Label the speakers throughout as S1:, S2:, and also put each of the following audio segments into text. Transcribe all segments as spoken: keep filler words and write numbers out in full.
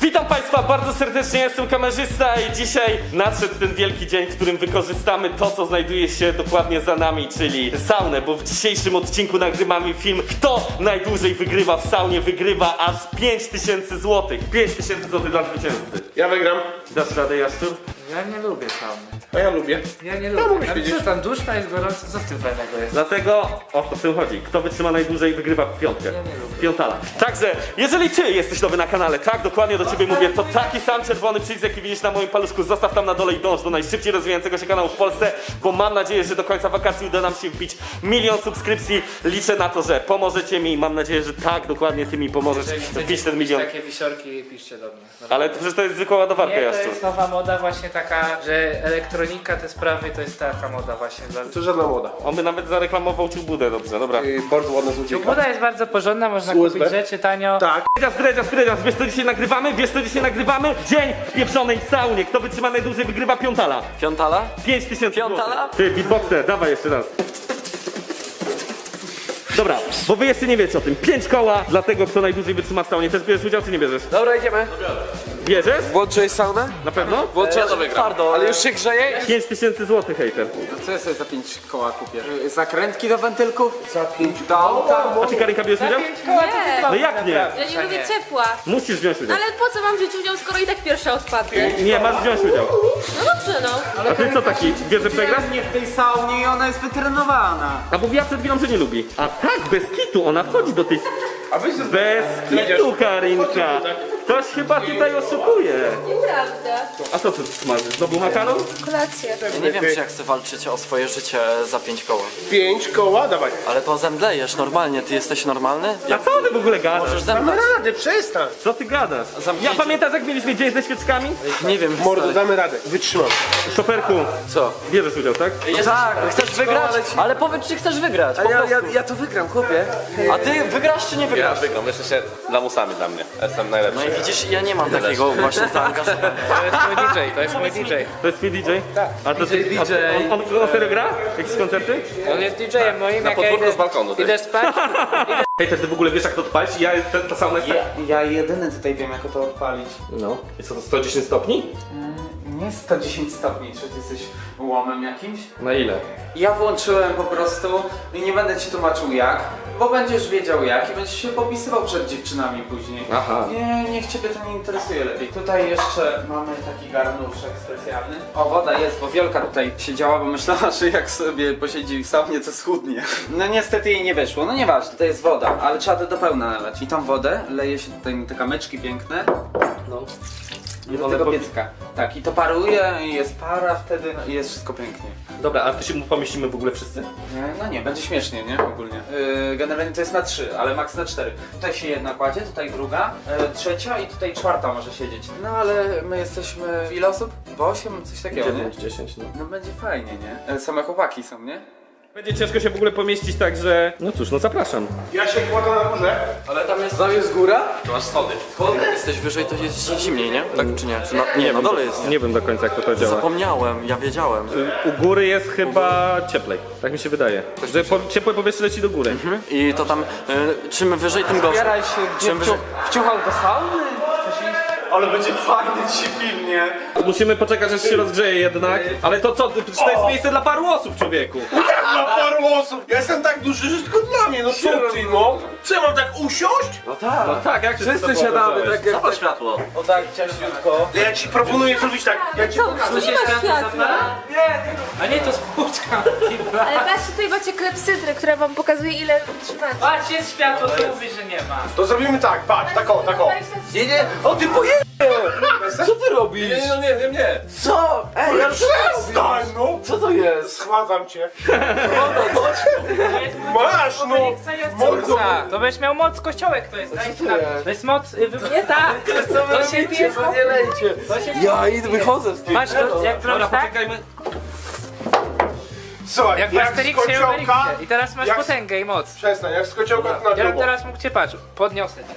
S1: Witam Państwa bardzo serdecznie, jestem kamerzysta i dzisiaj nadszedł ten wielki dzień, w którym wykorzystamy to, co znajduje się dokładnie za nami, czyli saunę, bo w dzisiejszym odcinku nagrywamy film Kto najdłużej wygrywa w saunie, wygrywa aż pięć tysięcy złotych. pięć tysięcy złotych dla zwycięzcy.
S2: Ja wygram.
S1: Dasz radę, Jaszczur?
S3: Ja nie lubię sauny.
S2: A ja lubię.
S3: Ja nie
S2: No,
S3: lubię.
S2: mówisz,
S3: Ale
S2: widzisz.
S3: co tam, duszna jest gorąco, co w tym fajnego jest?
S1: Dlatego o to w tym chodzi. Kto wytrzyma najdłużej, wygrywa piątkę.
S3: Ja nie lubię.
S1: Piątala. Także, jeżeli ty jesteś nowy na kanale, tak, dokładnie do ciebie mówię, to taki sam czerwony przycisk, jaki widzisz na moim paluszku, zostaw tam na dole i dąż do najszybciej rozwijającego się kanału w Polsce, bo mam nadzieję, że do końca wakacji uda nam się wbić milion subskrypcji. Liczę na to, że pomożecie mi i mam nadzieję, że tak, dokładnie ty mi pomożesz
S3: Jeżeli
S1: wbić
S3: chcecie
S1: ten milion.
S3: takie wisiorki, piszcie do mnie.
S1: Ale to, przecież to jest zwykła ładowarka,
S3: Nie, to
S1: Jaszczur.
S3: jest nowa moda właśnie taka, że elektronika, te sprawy, to jest taka moda właśnie dla...
S2: To żadna moda.
S1: On by nawet zareklamował ciubudę, dobrze, dobra.
S2: Yy, bardzo ładna złodziejka.
S3: Moda jest bardzo porządna, można
S2: Z U S B?
S3: kupić rzeczy tanio.
S2: Tak.
S1: Dredzias, dredzias, dredzias, wiesz co dzisiaj nagrywamy? Wiesz co dzisiaj nagrywamy? Dzień w pieprzonej saunie. Kto wytrzyma najdłużej, wygrywa piątala.
S4: Piątala?
S1: pięć tysięcy
S4: Piątala?
S1: złotych. Ty, beatboxer, dawaj jeszcze raz. Dobra, bo wy jeszcze nie wiecie o tym. Pięć koła dla tego, kto najdłużej wytrzyma w saunie. Też bierzesz udział, czy nie bierzesz?
S4: Dobra, idziemy.
S1: Bierzesz?
S4: Włączyłeś saunę?
S1: Na pewno?
S4: Włączyłeś ja to wygram. Twardo. Ale już się grzeje?
S1: pięć tysięcy złotych, hejter.
S5: Co ja sobie za pięć koła kupię? Zakrętki do wentylków?
S2: Za pięć
S5: Do auta?
S1: A ty, Karinka, bierzesz udział?
S6: Nie,
S1: No jak nie?
S6: ja nie lubię ciepła.
S1: Musisz wziąć udział.
S6: Ale po co mam wziąć udział, skoro i tak pierwsza odpadnę?
S1: Nie, masz wziąć udział.
S6: No dobrze, no.
S1: A ty co taki? Wiesz, że przegrasz?
S5: Nie w tej saunie i ona jest wytrenowana.
S1: A mówiła przed chwilą, że nie lubi. A tak, bez kitu, ona wchodzi do tej...
S2: A weź ze
S1: Bez kitu, Karinka. Ktoś chyba tutaj oszukuje.
S6: Nieprawda.
S1: A co ty smażysz? Znowu makaron?
S6: Kolację.
S4: Ja nie wiem, czy ja chcę walczyć o swoje życie za pięć koła.
S2: Pięć koła, dawaj.
S4: Ale to zemdlejesz normalnie, ty jesteś normalny?
S1: A
S4: Jak
S1: co ty w ogóle gadasz?
S4: możesz
S2: Damy
S4: zemdleć?
S2: radę, przestań.
S1: Co ty gadasz? Ja
S4: Zamknijcie.
S1: pamiętasz, jak mieliśmy dzień ze świeczkami?
S4: Nie wiem,
S2: Mordo,
S4: stary.
S2: damy radę. Wytrzymam.
S1: Szoferku,
S4: Co?
S1: bierzesz udział, tak?
S4: Tak, chcesz wygrać? Ale powiedz, czy chcesz wygrać, po
S5: Ja, ja,
S4: prostu.
S5: ja to wygram, chłopie.
S4: A ty wygrasz, czy nie
S7: Ja
S4: wygrasz?
S7: wygram, jeszcze się lamusami dla mnie. Jestem najlepszy.
S4: No i widzisz, ja nie mam takiego właśnie zaangażowania.
S3: To jest mój D J, to jest mój D J.
S1: To jest twój D J? Tak. A to
S3: D J.
S1: A, on, on, on serio gra? Jakieś koncerty?
S3: On jest D J-em moim, jak ja
S7: podwórku
S3: idę,
S7: z balkonu, ty.
S3: idę spać.
S1: Hej, ty w ogóle wiesz, jak to odpalić? Ja ten, ta sauna jest...
S5: Ja jedyny tutaj wiem, jak to odpalić.
S1: No. Jest to sto dziesięć stopni?
S5: Nie sto dziesięć stopni, czy ty jesteś łomem jakimś?
S1: Na ile?
S5: Ja włączyłem po prostu i nie będę ci tłumaczył jak, bo będziesz wiedział jak i będziesz się popisywał przed dziewczynami później.
S1: Aha.
S5: Nie, niech ciebie to nie interesuje lepiej. Tutaj jeszcze mamy taki garnuszek specjalny. O, woda jest, bo Wielka tutaj siedziała, bo myślała, że jak sobie posiedzi w saunie, to schudnie. No niestety jej nie wyszło, no nieważne, to jest woda, ale trzeba to do pełna nalać. I tą wodę leje się tutaj na te kamyczki piękne.
S1: No.
S5: I do
S1: one
S5: tego
S1: po-
S5: piecyka. Tak, i to paruje, i jest para wtedy, no, i jest wszystko pięknie.
S1: Dobra, a ty się pomieścimy w ogóle wszyscy?
S5: Nie, no nie, będzie śmiesznie, nie? Ogólnie. Yy, generalnie to jest na trzy, ale maks na cztery. Tutaj się jedna kładzie, tutaj druga, yy, trzecia i tutaj czwarta może siedzieć. No ale my jesteśmy... w ile osób? W osiem? Coś takiego, nie?
S1: dziesięć, no.
S5: No będzie fajnie, nie? Yy, same chłopaki są, nie?
S1: Będzie ciężko się w ogóle pomieścić, także... No cóż, no zapraszam.
S2: Ja się kładę na górze.
S4: Ale tam jest...
S5: Tam jest góra?
S7: Tu masz schody.
S4: Jesteś wyżej, to jest zimniej, nie? Tak czy nie? Czy na, nie, na dole jest.
S1: Nie wiem do końca, jak to, to działa.
S4: Zapomniałem, ja wiedziałem.
S1: U góry jest chyba cieplej, tak mi się wydaje. Że po, ciepłe powietrze leci do góry.
S4: I to tam, y, czym wyżej, tym gorzej.
S5: Zbieraj się, gdzie
S4: Czym wyżej...
S5: wciuchał do sauny? Chcesz iść? Ale będzie fajny dzisiaj film, nie?
S1: Musimy poczekać, aż się rozgrzeje jednak. Ale to co, przecież to jest miejsce dla paru osób, człowieku.
S2: Na paru osób. Ja jestem tak duży, że tylko dla mnie. No co ty, no? Co, ja mam tak usiąść?
S1: No tak, jak się
S5: Wszyscy siadamy tak jak...
S7: Zapal światło.
S5: O tak, ciaśniutko.
S2: Ja ci proponuję zrobić tak. Ja ci
S6: Co, tu nie ma światła.
S3: A nie, to spłuczka.
S6: Ale patrzcie, tutaj macie klepsydrę, która wam pokazuje, ile trzymacie.
S3: Patrz, jest światło, to mówi, że nie ma.
S2: To zrobimy tak, patrz, tak o, tak o.
S5: Nie, nie, o ty poje... Co ty robisz?
S7: Nie, no nie, nie, nie.
S5: Co? Ej, ja
S2: Przestań, no!
S5: Co to jest?
S2: Schładzam cię.
S3: To jest mój
S2: Masz, no! Mordo!
S3: To będziesz miał moc kościołek, to jest. Daj sprawdzić. To jest moc... y, wy- Nie tak! To się pije z
S5: Nie lejcie.
S3: To się...
S5: Ja idę, wychodzę z tym.
S3: Masz to, jak
S1: Dobra,
S3: zrobisz tak?
S1: poczekajmy.
S2: Słuchaj,
S3: Jak w
S2: jak z
S3: Asterixie i
S2: kociołka...
S3: Obelixie. I teraz masz
S2: jak-
S3: potęgę i moc.
S2: Przestań, jak z kociołka to na
S3: Ja bym
S2: drugą.
S3: teraz mógł cię patrz. Podniosę cię.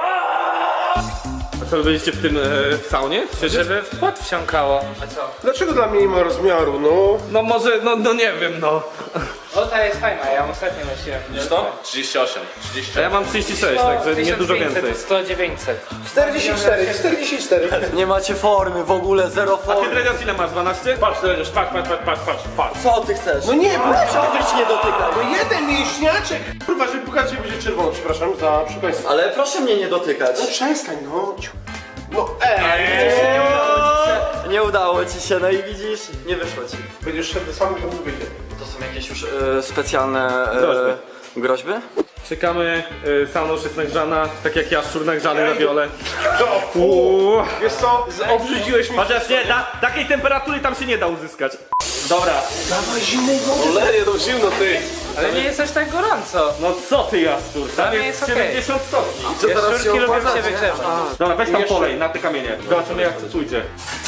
S1: A co, wy będziecie w tym e, w saunie? Siedzieć?
S3: Żeby w pot wsiąkało. A co?
S2: Dlaczego dla mnie nie ma rozmiaru, no?
S1: No może, no, no nie wiem, no.
S3: O, ta jest fajna, ja ją ostatnio nosiłem.
S7: Widzisz to? trzydzieści osiem, trzydzieści.
S1: A ja mam trzydzieści sześć, także nie dużo więcej.
S3: sto dziewięćset.
S2: czterdzieści cztery, czterdzieści cztery.
S4: Nie macie formy, w ogóle zero
S1: A ty
S4: formy.
S1: Dredziarz ile masz? dwanaście?
S7: Patrz, Dredziarz, patrz, patrz, patrz, patrz, patrz, patrz.
S4: Co ty chcesz?
S2: No nie, proszę.
S4: Być nie dotykaj.
S2: No jeden mięśniaczek. Kurwa, żeby pokazać, że będzie czerwono, przepraszam za przekleństwo.
S4: Ale proszę mnie nie dotykać.
S2: No przestań, no. Ciu. No ej.
S4: Nie udało ci się, no i widzisz, nie wyszło ci.
S2: Będziesz szedł do samego, to nie wyjdzie.
S4: To są jakieś już e, specjalne e,
S1: Groźby.
S4: groźby?
S1: Czekamy, y, Sanosz jest nagrzana, tak jak ja, szczur nagrzany na wiole. Uuu.
S2: Wiesz co, obrzydziłeś mi.
S1: Chociaż nie, ta, takiej temperatury tam się nie da uzyskać. Dobra,
S2: Dawaj zimnej wody.
S7: Oleje, to zimno, ty.
S3: Ale nie jest aż tak gorąco.
S1: no co ty Jaszczur, tam
S3: Dla mnie
S1: jest
S3: jest okej.
S1: siedemdziesiąt stopni.
S3: Jaszczurki lubią się wygrzewać.
S1: Dobra, weź tam polej na te kamienie. Zobaczymy jak to pójdzie.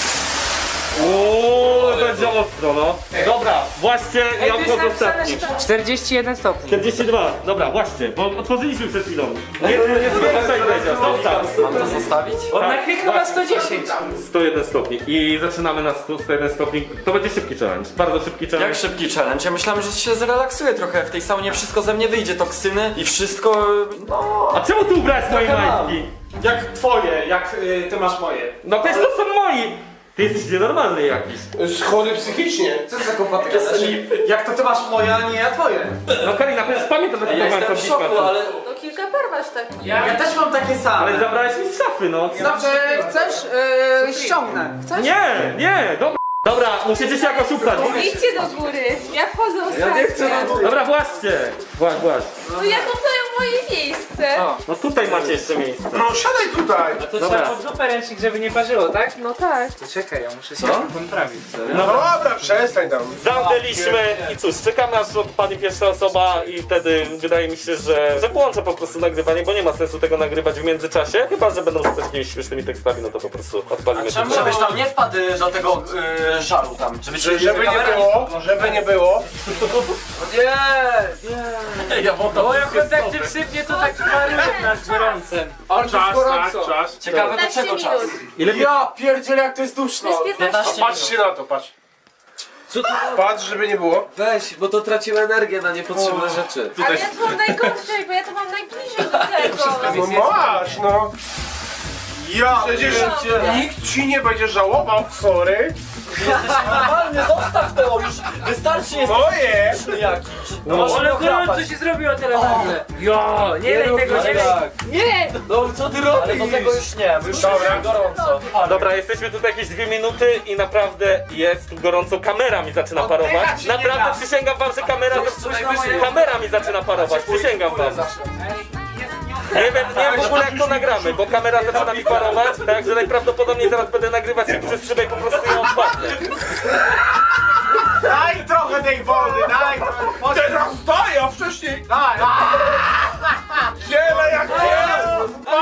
S1: Uuu, będzie ostro, no. Dobra, właśnie
S3: Ej,
S1: ja
S3: tu jest
S1: wchodzę
S3: napisane,
S1: ostatni.
S3: że to czterdzieści jeden stopni.
S1: czterdzieści dwa, dobra, właśnie, bo otworzyliśmy przed chwilą. Nie, nie zwiększaj Dredziarz, zostaw.
S4: Mam to zostawić?
S3: On
S1: Tak,
S3: nakliknął na sto dziesięć.
S1: sto jeden stopni i zaczynamy na sto jeden stopni. To będzie szybki challenge, bardzo szybki challenge.
S4: Jak szybki challenge? Ja myślałem, że się zrelaksuję trochę. W tej saunie wszystko ze mnie wyjdzie, toksyny i wszystko, no...
S1: A czemu ty ubrałeś moje
S4: Trochę mam.
S1: majtki?
S8: Jak twoje, jak y, ty masz moje.
S1: No przecież to są moi! Ty jesteś nienormalny jakiś.
S2: Chory psychicznie.
S8: Co za kłopoty gadasz? Jak to ty masz moje, a nie ja twoje.
S1: No Karina, przecież pamiętam, że
S4: Ja
S1: kupowałem
S4: jestem
S1: to
S4: w szoku,
S1: Discord.
S4: ale...
S6: No kilka par masz takich.
S8: Ja, też mam takie same.
S1: Ale zabrałeś mi z szafy, no.
S9: Dobrze, chcesz? Yy, ściągnę. Chcesz?
S1: Nie, nie, dobra. Dobra, musicie się jakoś ubrać.
S6: Idźcie do góry. Ja wchodzę ostatnio.
S1: Dobra, właśnie. Właśnie, właśnie.
S6: No ja to daję moje miejsce.
S1: No tutaj macie jeszcze miejsce.
S2: No siadaj tutaj.
S3: To
S1: Dobra.
S3: trzeba pod dupę ręcznik, żeby nie parzyło, tak?
S6: No tak.
S3: To czekaj, ja muszę się poprawić.
S2: No dobra, przestań tam.
S1: Zamknęliśmy i cóż, czekamy aż odpadnie pierwsza osoba i wtedy wydaje mi się, że, że włączę po prostu nagrywanie, bo nie ma sensu tego nagrywać w międzyczasie. Chyba, że będą rzucać jakimiś śmiesznymi tekstami, no to po prostu odpalimy to.
S4: Żebyś tam nie wpadł y, do tego y, żaru tam. Żeby ci
S2: Żeby nie
S4: kamera
S2: było, żeby nie było.
S4: Ja wątam.
S3: O, jak on tak cię sypnie, to tak paruje nad gorącem.
S8: On czas, tak, czas.
S4: Ciekawe do
S6: piętnaście
S4: czego czas.
S6: minut.
S1: Ile
S8: Ja pierdzielę jak to jest duszno.
S6: To jest piętnaście.
S2: Patrzcie na to, patrz. Patrz, żeby nie było.
S8: Weź, bo to tracimy energię na niepotrzebne rzeczy.
S6: Ale ja to mam najgorzej, bo ja to mam najbliżej do tego.
S2: No masz, no. Ja przecież nikt ci nie będzie żałował, sorry.
S4: Normalnie, zostaw to już. Wystarczy jest
S2: Moje.
S4: śmieszny jakiś. No masz
S3: Ale
S4: mnie
S3: gorąco
S4: ochrapać.
S3: się zrobiło teraz nagle. Jo, nie lej tego, nie lej. Nie!
S8: No co ty robisz?
S4: Ale do tego już nie, bo już
S2: Dobra.
S4: jest gorąco.
S1: Dobra, jesteśmy tutaj jakieś dwie minuty i naprawdę jest tu gorąco. Kamera mi zaczyna parować. Naprawdę przysięgam wam, że kamera, kamera mi zaczyna parować. Przysięgam wam. Nie wiem, nie wiem w ogóle jak to nagramy, bo kamera zaczyna mi parować, także najprawdopodobniej zaraz będę nagrywać i przez szybę po prostu ją odpadnę.
S8: Daj trochę tej wody, daj trochę.
S2: Teraz daj, a wcześniej.
S8: Daj,
S2: Wiele jak wiele.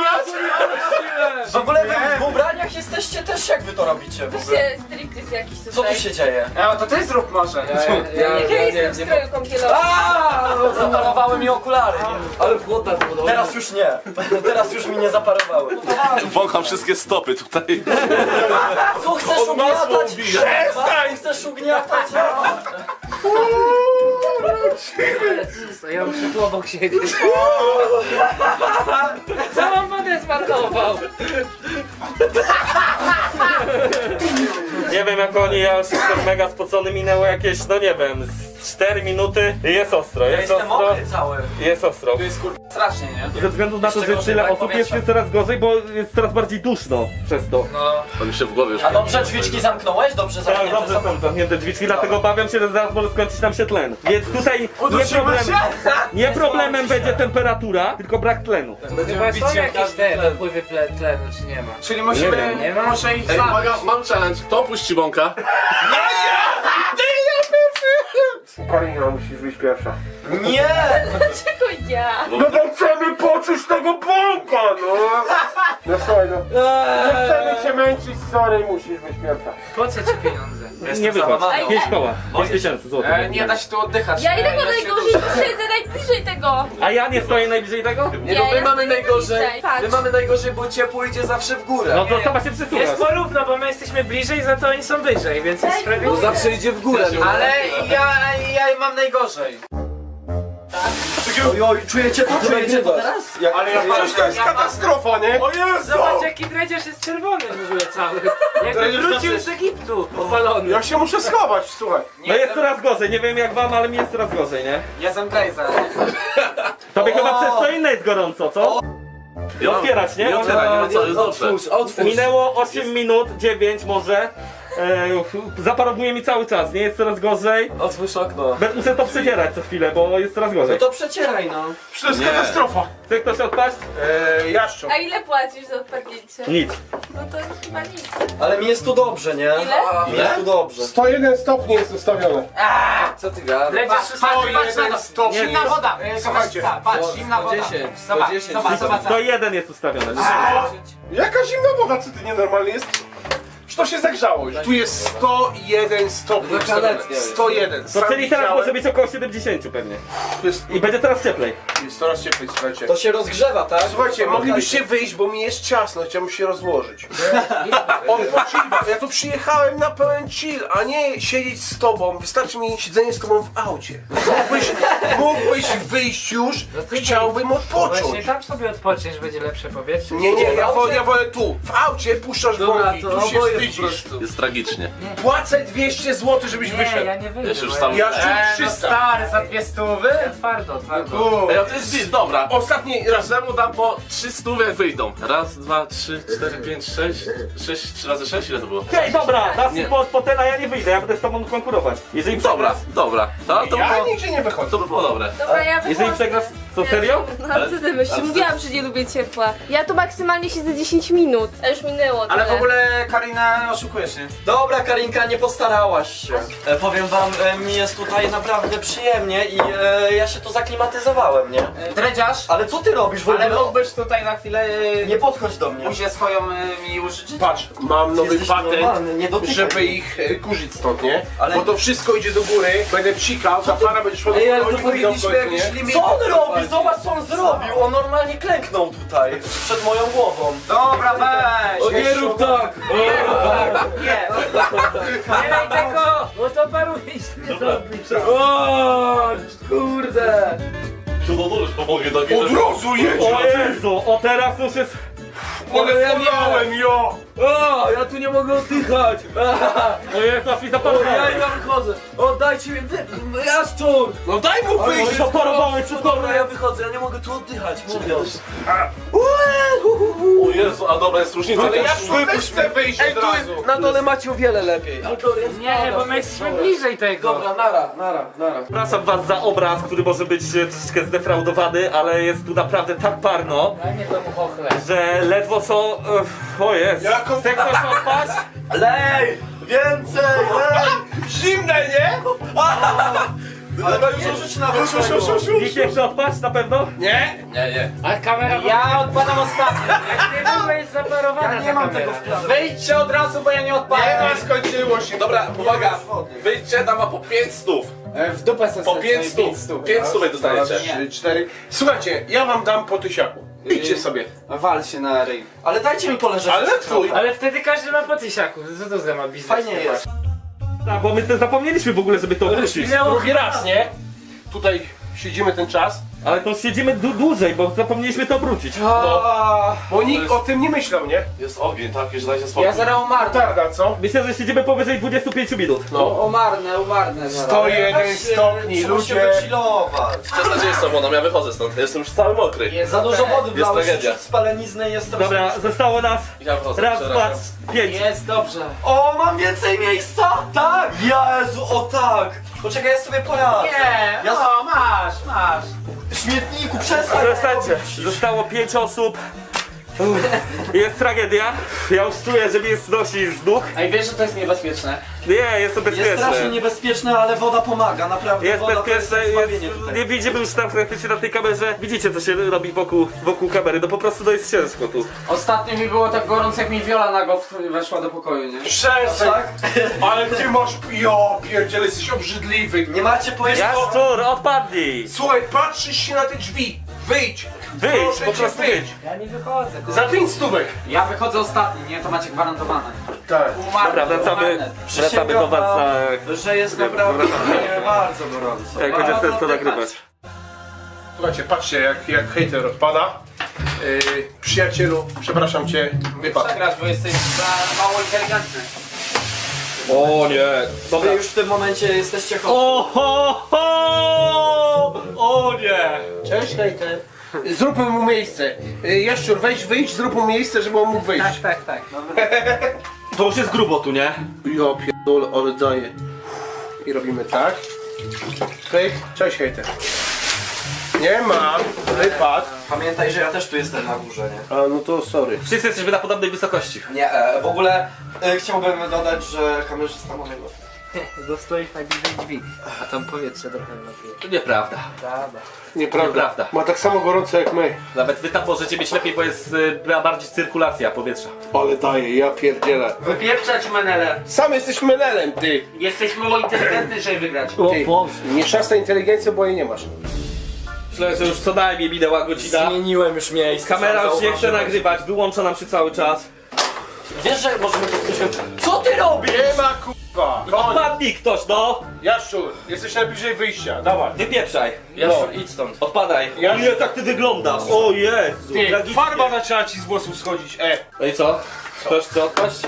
S4: W ogóle wy w ubraniach jesteście też, jak wy to robicie w ogóle?
S6: Weźcie striptease jakiś tutaj.
S4: Co tu się dzieje?
S8: Ja, to ty zrób może.
S6: Jak ja jestem w stroju kąpielowym.
S4: Zaparowały mi okulary. Ale błota to Teraz już nie. Teraz już mi nie zaparowały.
S7: Wącham wszystkie stopy tutaj.
S4: Co chcesz ugniatać?
S2: Przestań.
S4: Chcesz ugniatać?
S3: Ja muszę tu obok siedzieć. Całą wodę zmarnował.
S1: Nie wiem jak oni, ja już jestem mega spocony, minęło jakieś, no nie wiem, z cztery minuty i jest ostro,
S4: Ja
S1: jest
S4: jestem
S1: ostro,
S4: mokry cały.
S1: jest ostro.
S8: To jest kur... strasznie, nie?
S1: Ze względu na to, że
S4: Szczególnie
S1: tyle
S4: brak
S1: osób jest,
S4: powietrza.
S1: jest coraz gorzej, bo jest coraz bardziej duszno przez to.
S7: On mi się w głowie już...
S4: A dobrze drzwiczki zamknąłeś? Dobrze
S1: Tak,
S4: zamknięte
S1: dobrze są zamknięte drzwiczki, dlatego obawiam się, że zaraz może skończyć nam się tlen. Więc tutaj nie, problem, nie problemem będzie temperatura, tylko brak tlenu.
S3: Chyba są jakieś te dopływy ple- tlenu, czy nie ma?
S8: Czyli musimy...
S1: wiem.
S3: Nie ma?
S8: Muszę ich
S7: Ej,
S8: zabić.
S7: uwaga, mam challenge. Kto puści bąka?
S2: Karina, musisz być pierwsza.
S4: Nie!
S6: Dlaczego ja?
S2: No bo chcemy poczuć tego bąka, no. No słuchaj, no. Nie chcemy cię męczyć, sorry, musisz być pierwsza.
S3: Po co ci pieniądze?
S1: Nie wypłacz.
S4: załamany.
S1: Pięć koła. Pięć tysięcy złotych.
S8: E, nie da się tu oddychać.
S6: Ja i
S8: e,
S6: tego
S8: się
S6: najgorzej
S8: duszę.
S6: siedzę najbliżej tego.
S1: A ja nie stoję najbliżej tego?
S8: Nie, no
S6: Ja
S8: my mamy
S6: jestem
S8: najgorzej.
S6: najbliżej, patrz.
S8: My mamy najgorzej, bo ciepło idzie zawsze w górę.
S1: No to sama się
S3: Jest
S1: przesuwasz.
S3: porówno, bo my jesteśmy bliżej, za to oni są wyżej, więc jest
S6: Daj
S3: sprawiedliwe.
S8: Zawsze idzie w górę. Ale ja, ja mam najgorzej.
S4: Oj, oj, czujecie to? Czujecie to teraz? Jak,
S2: Ale ja patrzę, to jest katastrofa, nie? O Jezu!
S3: Zobacz jaki dredziarz jest czerwony w ogóle cały. Jakby
S2: Dredziarz
S3: wrócił
S2: też
S3: z Egiptu, opalony.
S2: Ja się muszę schować, słuchaj.
S1: No jest coraz gorzej, nie wiem jak wam, ale mi jest coraz gorzej, nie?
S8: Jestem Blazer.
S1: Tobie chyba przez co inne jest gorąco, co? I otwierać, nie?
S7: Nie otwieraj, nie ma co, jest dobrze.
S4: Otwórz, otwórz.
S1: Minęło osiem minut, dziewięć może. E, zaparowuje mi cały czas, nie? Jest coraz gorzej.
S4: Otwórz okno.
S1: Be- Muszę to przecierać co chwilę, bo jest coraz gorzej.
S4: No to przecieraj, no.
S2: To jest katastrofa.
S1: Chce ktoś odpaść?
S2: Eee, jaszczu.
S6: A ile płacisz za odpadnięcie?
S1: Nic.
S6: No to chyba nic.
S4: Ale mi jest tu dobrze, nie?
S6: Ile?
S4: Mi jest tu dobrze.
S2: sto jeden stopni jest ustawione.
S4: Co ty gadasz?
S3: Dredziarz
S8: Patrz, patrz na to.
S2: stopni.
S8: Zimna woda.
S2: Słuchajcie.
S8: Patrz, zimna woda.
S4: dziesięć,
S8: Zobacz,
S4: sto dziesięć.
S8: zobacz, zobacz.
S1: sto jeden jest ustawione.
S2: Jaka zimna woda, co ty nienormalny jest? Już to się zagrzało już. Tu jest sto jeden stopni ustawione. sto jeden.
S1: To
S2: Sam
S1: czyli teraz
S2: widziałem.
S1: może być około siedemdziesiąt pewnie.
S2: Tu jest,
S1: I będzie coraz cieplej.
S2: jest coraz cieplej, słuchajcie.
S4: To się rozgrzewa, tak?
S2: Słuchajcie, moglibyście wyjść, bo mi jest ciasno, chciałbym się rozłożyć. Odpoczywać. Ja tu przyjechałem na pełen chill, a nie siedzieć z tobą. Wystarczy mi siedzenie z tobą w aucie. Mógłbyś, mógłbyś wyjść już, chciałbym
S3: Właśnie
S2: odpocząć.
S3: tam sobie odpoczniesz, będzie lepsze powietrze.
S2: Nie, nie, ja wolę, ja wolę tu. W aucie puszczasz bąki, tu się wstydzisz.
S7: Jest tragicznie.
S2: Płacę dwieście złotych, żebyś
S3: Nie,
S2: wyszedł.
S3: ja nie wyjdę.
S7: Ja się już
S3: bo
S7: sam...
S2: Ja
S8: Eee,
S2: czuł
S8: no
S2: trzysta.
S8: stary, za dwie stówy?
S3: ja Twardo, twardo.
S7: Ej, a to jest bit, dobra.
S2: Ostatni raz.
S7: Każdemu dam po trzy stówy jak wyjdą. Raz, dwa, trzy, cztery, pięć, sześć. Sześć, trzy razy sześć, ile to było?
S1: Hej, dobra, dasz
S7: Nie.
S1: mi po, po ten, a ja nie wyjdę, ja będę z tobą konkurować. Jeżeli
S7: Dobra,
S1: przegrasz,
S7: dobra. To, to,
S2: Ja
S7: było,
S2: nigdzie nie wychodzę.
S7: to by było dobre.
S6: Dobra, ja
S1: jeżeli
S6: wychodzę.
S1: przegrasz, co serio?
S6: No co ty myślisz? Mówiłam, że nie lubię ciepła. Ja tu maksymalnie siedzę dziesięć minut. A już minęło
S8: Ale w
S6: tyle.
S8: ogóle Karina oszukujesz, nie?
S4: Dobra, Karinka, nie postarałaś się. E, powiem wam, e, mi jest tutaj naprawdę przyjemnie i e, ja się tu zaklimatyzowałem, nie?
S8: E, Dredziarz,
S4: Ale co ty robisz w ogóle?
S8: ale mógłbyś tutaj na chwilę e,
S4: Nie podchodź do mnie.
S8: buzię swoją e, mi użyczyć?
S2: Patrz, mam nowy
S4: Jesteś
S2: patent,
S4: normalny, nie dotykaj.
S2: żeby ich e, kurzyć stąd, nie?
S4: Ale-
S2: Bo to wszystko idzie do góry, będę psikał, ta para będzie szła do
S4: Ej,
S2: góry,
S4: ale to
S2: oni wyjdą w
S4: powinniśmy
S2: końcu,
S4: jakiś
S2: nie?
S4: limit. Co on robi? Zobacz co on zrobił. On normalnie klęknął tutaj, przed moją głową.
S8: Dobra, weź!
S4: Nie rób tak!
S8: Nie,
S3: Nie daj tego, bo to paruje nie zrobisz.
S4: O, kurde!
S7: Cudownie już pomogę do
S2: Od razu jedzie!
S1: O Jezu, o teraz już jest...
S2: Ale polałem, jo!
S4: O, ja tu nie mogę oddychać!
S1: O Jezu, aż mi zaparowałem.
S4: Ja ja wychodzę! Oddajcie mi wy... Jaszczur!
S2: No daj mu wyjść!
S1: Zaparowałeś,
S4: No
S1: cudownie.
S4: dobra, ja wychodzę, ja nie mogę tu oddychać, mówię.
S7: O Jezu, a dobra, jest różnica.
S2: Ale ja tu też chcę wyjść
S4: Ej,
S2: od
S4: tu
S2: razu!
S4: jest, na dole macie o wiele lepiej. Ale dobra, jest
S3: Nie, bo my jesteśmy bliżej tego.
S4: Dobra, nara, nara, nara.
S1: Przepraszam was za obraz, który może być e, troszeczkę zdefraudowany, ale jest tu naprawdę tak parno,
S3: Daj mnie temu chochle.
S1: że ledwo co... e, O jest.
S2: Jako-
S1: Chce ktoś odpaść?
S4: Lej! Więcej! Lej!
S2: Zimne, nie?
S4: Ale to już rzuć na
S2: Już, już, już, już, już.
S1: Nikt nie chce odpaść, na pewno?
S2: Nie?
S7: Nie, nie.
S3: A kamera...
S8: ja odpadam ostatnio.
S3: Jak nie było jest zaparowana
S8: Ja nie
S3: ta
S8: mam
S3: kamera.
S8: tego w planie. Wyjdźcie od razu, bo ja nie
S2: Nie
S8: odpadam.
S2: ma, skończyło się.
S7: Dobra, uwaga. Wyjdźcie, tam ma po pięć stów.
S8: E, W dupę sobie
S7: Po pięć stów. Pięć stówek dostajecie.
S2: Trzy, cztery. Słuchajcie, ja wam dam po tysiaku. Idźcie sobie.
S8: Wal się na ryj.
S4: Ale dajcie mi poleżeć.
S2: Ale twój.
S3: Ale wtedy każdy ma po tysiaku. Co to za ma biznes?
S4: Fajnie jest.
S1: Tak, bo my to zapomnieliśmy w ogóle, żeby to wrócić.
S2: Drugi raz, nie? Tutaj siedzimy ten czas,
S1: Ale to siedzimy du dłużej, bo zapomnieliśmy to obrócić.
S2: bo nikt o tym nie myślał, nie?
S7: Jest ogień, tak? Już dajcie spokój.
S8: Ja zaraz umarnę.
S2: Tarda, co?
S1: Myślę, że siedzimy powyżej dwudziestu pięciu minut.
S2: No.
S8: Umarnę, umarnę zaraz.
S2: sto jeden stopni,
S4: Trzeba się
S2: ludzie.
S4: wychillować.
S7: Przestań jest sobą, ja wychodzę stąd. Jestem już cały mokry.
S8: Jest
S4: Za dużo wody
S7: Jest
S4: wlałeś,
S7: tragedia.
S4: czuć spalenizny jest strasznie.
S1: Dobra, zostało nas
S7: Ja wychodzę.
S1: raz, dwa,
S7: przerabiam.
S1: pięć.
S8: Jest dobrze.
S4: O, mam więcej miejsca? Tak! Jezu, o tak! Poczekaj, ja sobie poradzę.
S8: Nie,
S4: Ja
S8: o, masz, masz.
S4: w śmietniku, przestań!
S1: Przestańcie, zostało pięć osób. Uff, jest tragedia. Ja już czuję, że mnie znosi z nóg.
S8: Ej, wiesz, że to jest niebezpieczne?
S1: Nie, jest to
S4: Jest strasznie
S1: bezpieczne.
S4: niebezpieczne, ale woda pomaga, naprawdę.
S1: Jest
S4: woda to
S1: bezpieczne,
S4: jest zbawienie
S1: jest,
S4: tutaj.
S1: nie widzimy już tam praktycznie na tej kamerze. Widzicie, co się robi wokół, wokół kamery, no po prostu to jest ciężko tu.
S8: Ostatnio mi było tak gorąco, jak mi Viola nago w- weszła do pokoju, nie?
S2: Przestań!
S4: Tak?
S2: Ale ty masz... Jo, pierdziele, jesteś obrzydliwy.
S4: Nie macie pojęcia.
S1: Jaszczur, odpadnij!
S2: Słuchaj, patrzysz się na te drzwi. Wyjdź!
S1: Wyjdź,
S2: Proszę
S1: po
S2: cię,
S1: prostu
S2: wyjdź!
S1: wyjdź.
S3: Ja nie wychodzę.
S2: Za pięć stówek.
S8: Ja wychodzę ostatni, nie? To macie gwarantowane.
S2: Tak.
S8: Umarnę,
S1: Dobra, wracamy,
S8: umarnę.
S1: wracamy do was za...
S4: Że jest naprawdę bardzo gorąco.
S1: Jak będzie sens to nagrywać.
S2: Słuchajcie, patrzcie jak, jak hejter odpada. Yy, przyjacielu, przepraszam cię, wypadł.
S5: Przegrasz, bo jesteś za mało inteligentny.
S1: O nie.
S4: Wy już w tym momencie jesteście chorzy.
S1: O ho, ho! O nie.
S2: Cześć hejter. Zróbmy mu miejsce. Yy, Jaszczur, weź, wyjdź, zrób mu miejsce, żeby on mógł wyjść.
S3: Tak, tak, tak.
S1: To już jest grubo tu, nie?
S2: Ja pierdolę, ale daję. I robimy tak. Pyk. Cześć hejter. Nie ma, wypadł.
S4: Pamiętaj, że ja też tu jestem na górze, nie?
S2: A no to sorry.
S1: Wszyscy jesteśmy na podobnej wysokości.
S4: Nie, e, w ogóle e, chciałbym dodać, że kamerzysta ma najgorsze.
S3: Dostoisz najbliżej drzwi, a tam powietrze trochę napije.
S1: To nieprawda.
S3: Prawda.
S2: Nieprawda.
S1: Nieprawda.
S2: Ma tak samo gorąco jak my.
S1: Nawet wy tam możecie mieć lepiej, bo jest y, bardziej cyrkulacja powietrza.
S2: Ale daję, ja pierdzielę.
S3: Wypieprzać menele.
S2: Sam jesteś menelem, ty.
S3: Jesteś mało inteligentny, żeby wygrać.
S2: Ty. Nie szasta inteligencję, bo jej nie masz.
S1: Myślę, że już co najmniej minęła godzina.
S4: Zmieniłem już miejsce.
S1: Kamera
S4: sam
S1: już nie chce
S4: zauważyłeś.
S1: nagrywać, wyłącza nam się cały czas.
S4: Wiesz, że możemy to ktoś... Co ty robisz?
S2: Nie ma kurwa.
S1: Odpadnij ktoś, no!
S2: Jaszczur, jesteś najbliżej wyjścia, dawaj.
S1: Wypieprzaj.
S4: Jaszczur, idź stąd.
S1: Odpadaj.
S2: Ja-
S1: Jezu, jak ty wyglądasz. O Jezu.
S2: Ty,
S1: tragicznie.
S2: farba zaczęła ci z włosów schodzić, e.
S1: No i co? Chcesz co odpaść?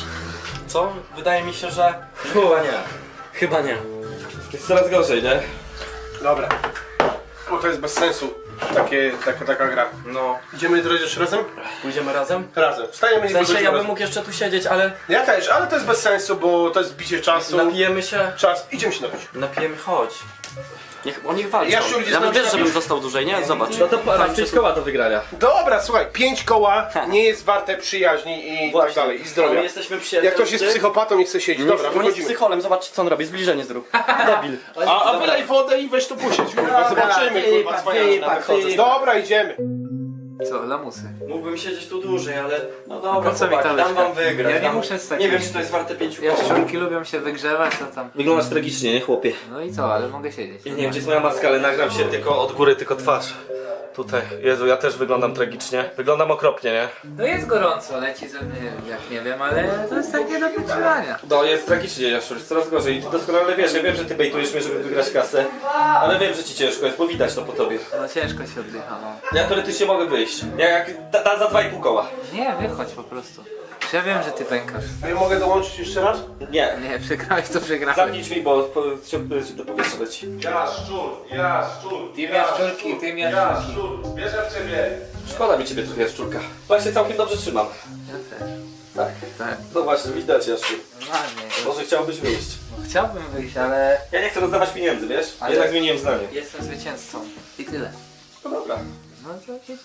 S4: Co? Wydaje mi się, że... Chyba nie. Chyba nie.
S1: Jest coraz gorzej, nie?
S2: Dobra. Bo to jest bez sensu. Takie, taka, taka gra.
S4: No.
S2: Idziemy jutro już razem?
S4: Pójdziemy razem?
S2: Razem. Wstajemy
S4: W
S2: i
S4: sensie
S2: wychodzimy
S4: ja bym
S2: razem.
S4: mógł jeszcze tu siedzieć, ale
S2: Ja też, ale to jest bez sensu, bo to jest bicie czasu.
S4: napijemy się.
S2: Czas. Idziemy się napić.
S4: Napijemy, chodź. Niech on niech walczy.
S2: Jaszczur, idziesz
S4: Ja
S2: na
S4: bym wiesz,
S2: przykład
S4: żebym
S2: już?
S4: został dłużej, nie? Zobacz.
S1: No to
S4: Tam
S1: masz
S4: się
S1: pięć
S4: tu-
S1: koła do wygrania.
S2: Dobra, słuchaj, pięć koła nie jest warte przyjaźni i
S4: Właśnie.
S2: tak dalej, i
S4: My
S2: zdrowia.
S4: jesteśmy przyjaciółmi.
S2: Jak ktoś jest psychopatą i chce siedzieć. Dobra,
S4: on jest
S2: wychodzimy.
S4: psycholem, zobacz co on robi, zbliżenie zrób. Debil.
S2: A, a wylej wodę i weź tu pusieć, kurwa, zobaczymy, kurwa, cwaniaczka. Dobra, idziemy.
S3: Co, lamusy?
S4: Mógłbym siedzieć tu dłużej, ale no dobra,
S3: Po co mi ta
S4: chłopaki, dam
S3: łyżka?
S4: wam wygrać.
S3: Ja nie
S4: dam...
S3: muszę z takim-
S4: Nie wiem, czy to jest warte pięciu koła.
S3: Jaszczurki lubią się wygrzewać, to tam.
S1: Wyglądasz tragicznie, nie chłopie?
S3: No i co, ale mogę siedzieć.
S1: Ja nie wiem, gdzie jest moja maska, ale nagram się tylko od góry, tylko twarz. Tutaj. Jezu, ja też wyglądam tragicznie. Wyglądam okropnie, nie?
S3: No jest gorąco, leci ze mnie, jak nie wiem, ale to jest takie do wyczuwania.
S1: No jest tragicznie, Jaszczur, jest coraz gorzej. I ty doskonale wiesz, ja wiem, że ty bejtujesz mnie, żeby wygrać kasę. Ale wiem, że ci ciężko jest, bo widać to po tobie.
S3: No ciężko się oddycha, no.
S1: Ja teoretycznie mogę wyjść. Ja jak da, da za dwa i pół koła.
S3: Nie, wychodź po prostu. Ja wiem, że ty pękasz.
S2: Ja mogę dołączyć jeszcze raz?
S1: Nie.
S3: Nie, przegrałeś to przegrałeś.
S1: Zamknij drzwi, bo po, się, do powietrza leci.
S8: Jaszczur, jaszczur,
S3: Ty jaszczurki, ty jaszczurki.
S8: jaszczur, wierzę w ciebie.
S1: Szkoda mi ciebie trochę, Jaszczurka. Właśnie całkiem dobrze trzymam.
S3: Ja też.
S1: Tak.
S3: Tak,
S1: No właśnie, widać, Jaszczur.
S3: normalnie.
S1: Może chciałbyś wyjść.
S3: No, chciałbym wyjść, ale
S1: Ja nie chcę rozdawać pieniędzy, wiesz?
S3: Ale-
S1: Jednak zmieniłem zdanie.
S3: jestem zwycięzcą. I tyle.
S1: No dobra.
S3: No to jedziemy.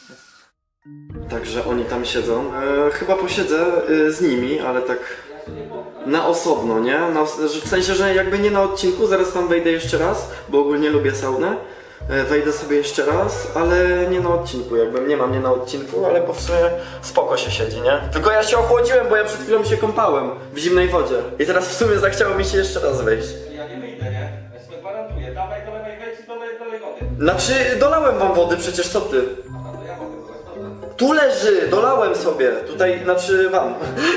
S4: Także oni tam siedzą. E, chyba posiedzę e, z nimi, ale tak na osobno, nie? Na, że w sensie, że jakby nie na odcinku, zaraz tam wejdę jeszcze raz, bo ogólnie lubię saunę. E, wejdę sobie jeszcze raz, ale nie na odcinku, jakby nie mam nie na odcinku, ale po w sumie spoko się siedzi, nie? Tylko ja się ochłodziłem, bo ja przed chwilą się kąpałem w zimnej wodzie. I teraz w sumie zachciało mi się jeszcze raz wejść.
S1: Ja nie wyjdę, nie? Ja ci to gwarantuję. Dawaj, dolewaj, wejdź i dolej, dolej wody.
S4: Znaczy, dolałem wam wody, przecież co ty?
S1: A to ja mogę dolać, dobra.
S4: Tu leży, dolałem sobie. Tutaj, znaczy wam.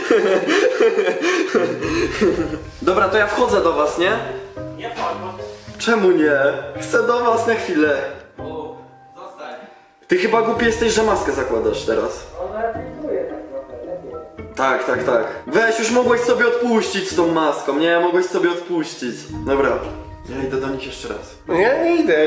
S4: Dobra, to ja wchodzę do was, nie?
S1: Nie wchodź,
S4: Czemu nie? Chcę do was na chwilę.
S1: bo... Zostań.
S4: Ty chyba głupi jesteś, że maskę zakładasz teraz. Tak, tak, tak. Weź, już mogłeś sobie odpuścić z tą maską, nie? Mogłeś sobie odpuścić. Dobra, ja idę do nich jeszcze raz.
S2: No ja nie idę.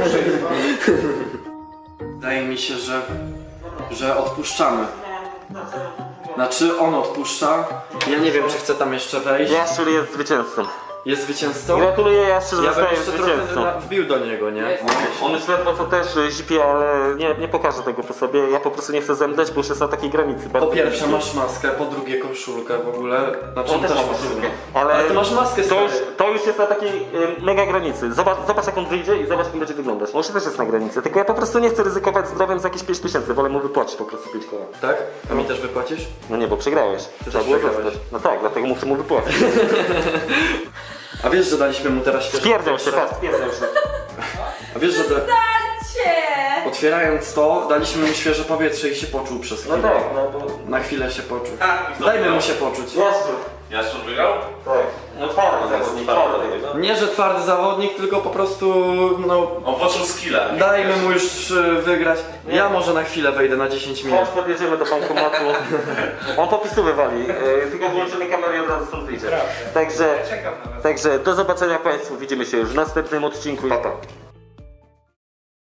S4: Wydaje mi się, że... że odpuszczamy. Znaczy, on odpuszcza. Ja nie wiem, czy chcę tam jeszcze wejść.
S1: Jaszczur jest zwycięzcą.
S4: Jest zwycięzcą?
S1: Gratuluję, Jaszczur,
S4: Ja bym
S1: zostaje
S4: jeszcze trochę
S1: zwycięzcą.
S4: na- wbił do niego, nie?
S1: On już ledwo co też zipie, ale nie, nie pokażę tego po sobie. Ja po prostu nie chcę zemdleć, bo już jest na takiej granicy.
S4: Po
S1: bardzo
S4: pierwsze
S1: niskiej.
S4: masz maskę, po drugie koszulkę w ogóle. Znaczy
S1: On też ma
S4: maskę.
S1: koszulkę. Ale,
S4: Ale ty masz maskę,
S1: to już,
S4: stary.
S1: to już jest na takiej y, mega granicy. Zobacz, zobacz jak on wyjdzie i zobacz jak on będzie wyglądać. On już też jest na granicy, tylko ja po prostu nie chcę ryzykować zdrowiem za jakieś pięć tysięcy. Wolę mu wypłacić po prostu pięć koła.
S4: Tak? A mi też wypłacisz?
S1: No nie, bo przegrałeś. Trzeba
S4: też
S1: było
S4: przegrałeś.
S1: zostać. No tak, dlatego muszę mu wypłacić.
S4: A wiesz, że daliśmy mu teraz świeże
S1: Twierdzę się,
S4: powietrze?
S1: patrz, twierdzę się.
S4: A wiesz, że... Da...
S6: Cię!
S4: otwierając to, daliśmy mu świeże powietrze i się poczuł przez chwilę.
S1: No tak, no bo...
S4: Na chwilę się poczuł. Dajmy mu się poczuć.
S1: Jaszczur.
S7: Jaszczur wygrał?
S1: Tak. No twardy zawodnik, twardy.
S4: Nie, że twardy zawodnik, tylko po prostu, no...
S7: On poczuł skilla.
S4: Dajmy mu już y, wygrać. Ja może na chwilę wejdę na dziesięć minut.
S1: Chodź, podjedziemy do bankomatu. On popisy wywali, yy, tylko wyłączymy kamerę i od razu stąd wyjdzie. Także, także do zobaczenia Państwu, widzimy się już w następnym odcinku. Pa, pa.